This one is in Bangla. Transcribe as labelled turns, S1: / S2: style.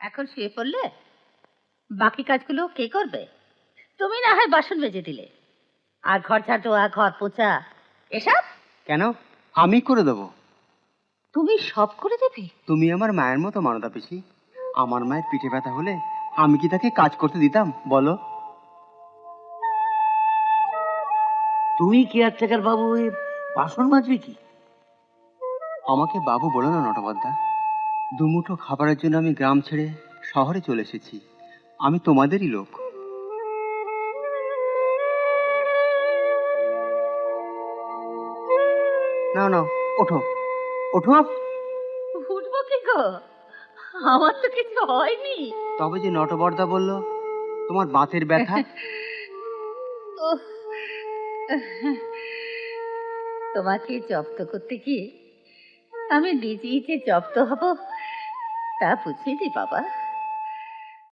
S1: এখন শুয়ে পড়লে বাকি কাজগুলো কে করবে? তুমি না হয় বাসন মেজে দিলে, আর ঘর ঝাড় দেওয়া, ঘর পোছা, এসব
S2: কেন? আমি করে দেবো।
S1: তুমি সব করে দেবে?
S2: তুমি আমার মায়ের মতো মানতা পিসি। আমার মায়ের পিঠে ব্যথা হলে আমি কি তাকে কাজ করতে দিতাম বলো?
S3: তুমি কেয়ারটেকার বাবু হয়ে বাসন মাজবে কি?
S2: আমাকে বাবু বলো না নটবদ্দা। দুমুঠো খাবারের জন্য আমি গ্রাম ছেড়ে শহরে চলে এসেছি। আমি তোমাদেরই লোক। নাও নাও, ওঠো ওঠো।
S1: উঠবো কি গো? আমার তো কিছু হয়নি।
S2: তবে যে নটবর্দা বলল তোমার বাতের ব্যথা।
S1: উফ, তোমাকে জব্দ করতে গিয়ে আমি নিজেই যে জব্দ হব তা বুঝিনি বাবা।